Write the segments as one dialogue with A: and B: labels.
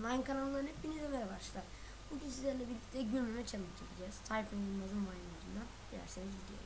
A: Vine kanalından hepinize merhaba arkadaşlar. Bugün sizlerle birlikte gülmeme challenge yapacağız. Tayfun Yılmaz'ın Vine'larından. Dilerseniz videoya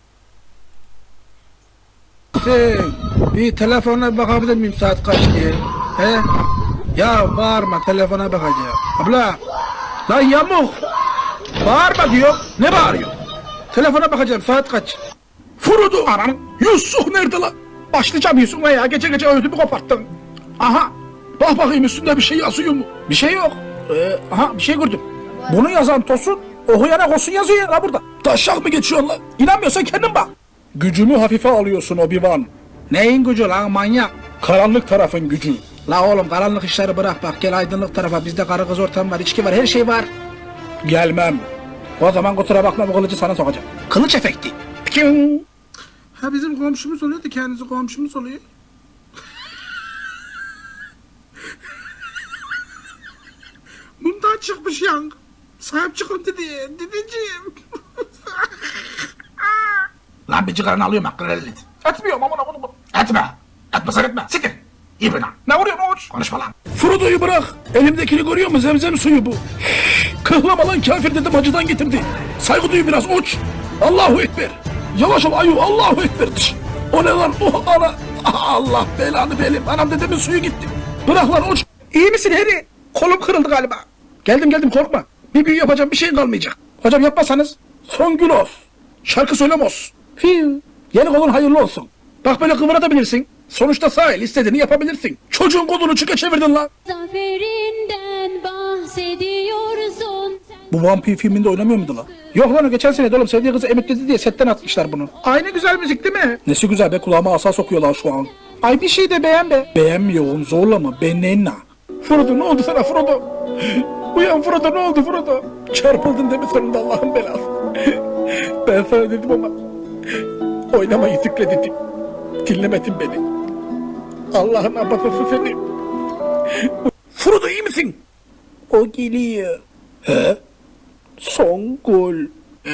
A: geçelim.
B: Bir telefona bakabilir miyim saat kaç diye? He? Ya bağırma, telefona bakacağım. Abla! Lan yamuk! Bağırma diyor. Ne bağırıyor? Telefona bakacağım, saat kaç? Furudu anam! Yusuf nerede lan? Başlayacağım Yusuf'la ya, gece gece ödümü koparttın. Aha! Bak bakayım üstünde bir şey yazıyor mu? Bir şey yok. Aha bir şey gördüm. Bunu yazan Tosun, okuyana Kosun yazıyor ya burada. Taşak mı geçiyorsun lan? İnanmıyorsan kendin bak. Gücümü hafife alıyorsun Obi-Wan. Neyin gücü lan manyak? Karanlık tarafın gücü. La oğlum karanlık işleri bırak bak, gel aydınlık tarafa, bizde karı kız ortam var, içki var, her şey var. Gelmem. O zaman kusura bakma, bu kılıcı sana sokacağım. Kılıç efekti. Piking. Ha bizim komşumuz oluyor da kendisi komşumuz oluyor. Bundan çıkmış yang. Sahip çıkın dedi, dedeciğim. Lan bir cigaranı alıyorum hakkını helal et. Etmiyorum amına bunu. Etme. Etmesen etme. Siktir. İyi bina. Ne vuruyorsun oğuz? Konuşma lan. Frodo'yu bırak. Elimdekini görüyor musun? Zemzem suyu bu. Kıhlama lan kafir dedim, acıdan getirdi. Saygı duy biraz uç. Allahu Ekber. Yavaş ol ayu, Allahu Ekber. O ne lan? Oh ana. Allah belanı benim. Anam dedemin suyu gitti. Bırak lan uç. İyi misin Harry? Kolum kırıldı galiba. Geldim korkma. Bir büyü yapacağım, bir şeyin kalmayacak. Hocam yapmasanız son gün olsun. Şarkı söylemos. Fiu. Yeni kolun hayırlı olsun. Bak böyle kıvırabilirsin. Sonuçta sahil, istediğini yapabilirsin. Çocuğun kolunu çıka çevirdin lan.
C: Zaferinden bahsediyorsun.
B: Bu vampir filminde oynamıyor muydu lan? Yok lan, o geçen sene de oğlum, sevdiği kızı emekledi diye setten atmışlar bunu. Aynı güzel müzik değil mi? Nesi güzel be, kulağıma asa sokuyorlar şu an. Ay bir şey de beğen be. Beğenmiyorum, zorlama, benenna. Frodo ne oldu sana Frodo? Uyan Frodo, ne oldu Frodo? Çarpıldın değil mi sonunda, Allah'ın belası? Ben sana dedim ama oynamayı zikre dedim. Dinlemedin beni. Allah'ın abatası seni. Frodo iyi misin? O geliyor. He? Songül.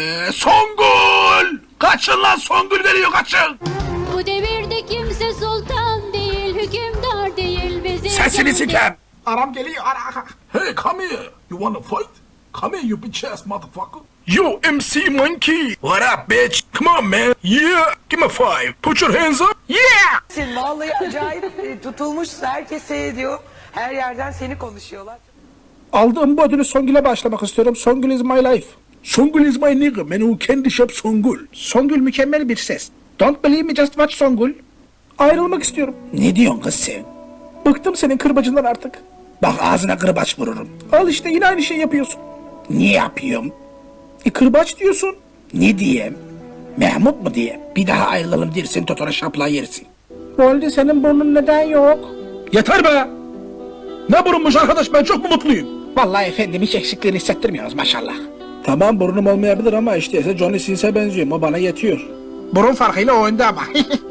B: Songül! Kaçın lan, Songül geliyor, kaçın!
C: Bu devirde kimse sultan değil, hükümdar değil. Bizi
B: Sesini sikem! Aram geliyor, ara. Hey, come here. You wanna fight? Come here, you bitch ass motherfucker. Yo, MC Monkey. What up, bitch? Come on, man. Yeah, give me 5. Put your hands up. Yeah!
D: Vallahi acayip tutulmuş, herkes seyrediyor. Her yerden seni konuşuyorlar.
B: Aldığım bu ödülü Songül'e başlamak istiyorum. Songül is my life. Songül is my nigga. Man who candy shop Songül. Songül mükemmel bir ses. Don't believe me, just watch Songül. Ayrılmak istiyorum. Ne diyorsun kız sen? Bıktım senin kırbacından artık. Bak ağzına kırbaç vururum. Al işte, yine aynı şey yapıyorsun. Niye yapıyorum? Kırbaç diyorsun. Ne diyeyim? Mahmut mu diyeyim? Bir daha ayrılalım dersin, totona şapla yersin. Bu halde senin burnun neden yok? Yeter be! Ne burunmuş arkadaş, ben çok mu mutluyum? Vallahi efendim hiç eksikliğini hissettirmiyoruz maşallah. Tamam, burnum olmayabilir ama işte Johnny Sins'e benziyorum, o bana yetiyor. Burun farkıyla oyunda ama.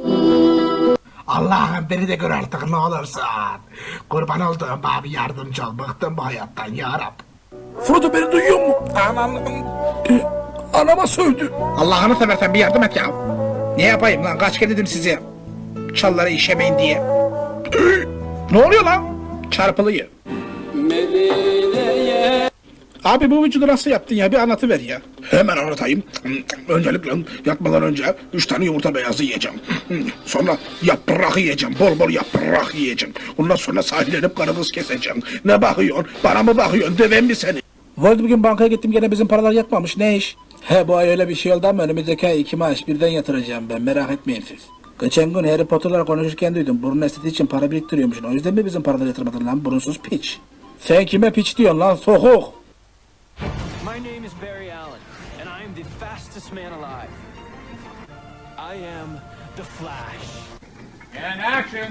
B: Allah'ım beni de gör artık ne olursun. Kurban olduğum abi, yardımcı ol, bıktım bu hayattan ya Rab. Frodo beni duyuyor mu? Anama sövdü. Allah'ını seversen bir yardım et ya. Ne yapayım lan, kaç kere dedim size. Çalları işemeyin diye. Ne oluyor lan? Çarpılıyor. Abi bu vücudu nasıl yaptın ya, bir anlatıver ya. Hemen anlatayım. Öncelikle yatmadan önce 3 tane yumurta beyazı yiyeceğim. Sonra yaprak yiyeceğim, bol bol yaprak yiyeceğim. Ondan sonra sahillenip karımız keseceğim. Ne bakıyorsun, bana mı bakıyorsun, dövem mi seni? Vardı bugün bankaya gittim, gene bizim paralar yatmamış, ne iş? He, bu ay öyle bir şey oldu ama önümüzdeki ay 2 maaş birden yatıracağım ben, merak etmeyin siz. Geçen gün Harry Potter'lar konuşurken duydum, burun estetiği için para biriktiriyormuşsun. O yüzden mi bizim paraları yatırmadın lan, burunsuz piç? Sen kime piç diyorsun lan, sokuk?
E: My name is Barry Allen, and I am the fastest man alive. I am the Flash.
F: And action!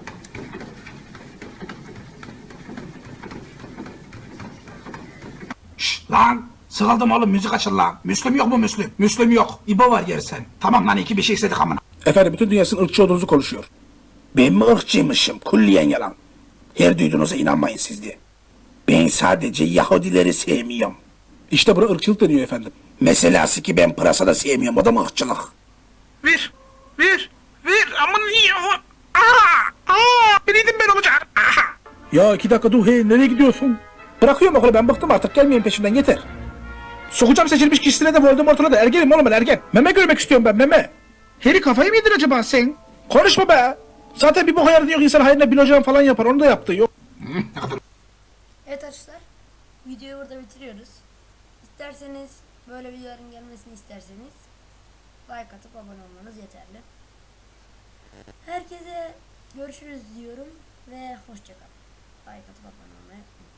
B: Şşt lan! Sıkıldım oğlum, müzik açın lan. Müslüm yok mu Müslüm? Müslüm yok. İbo var yersen. Tamam lan, iki bir şey istedik amına. Efendim, bütün dünyasının ırkçı olduğunuzu konuşuyor. Ben mi ırkçıymışım? Kulliyen yalan. Her duyduğunuza inanmayın siz diye. Ben sadece Yahudileri sevmiyorum. İşte buna ırkçılık deniyor efendim. Meselası ki ben pırasa sevmiyorum, o da mı ırkçılık? Ver, aman iyi. Biriydim ben olacak. Ya 2 dakika dur hey nereye gidiyorsun? Bırakıyorum okulu ben bıktım artık gelmeyin peşimden yeter. Sokacağım seçilmiş kişisine de Voldemort'una da ergenim oğlum ben ergen. Meme görmek istiyorum ben meme. Harry kafayı mı yedin acaba sen? Konuşma be. Zaten bir boka yaradı yok insan hayrına bilocam falan yapar onu da yaptı yok.
A: Evet arkadaşlar, videoyu burada bitiriyoruz. İsterseniz böyle videoların gelmesini isterseniz like atıp abone olmanız yeterli. Herkese görüşürüz diyorum ve hoşça kalın. Like atıp abone olmayı unutmayın.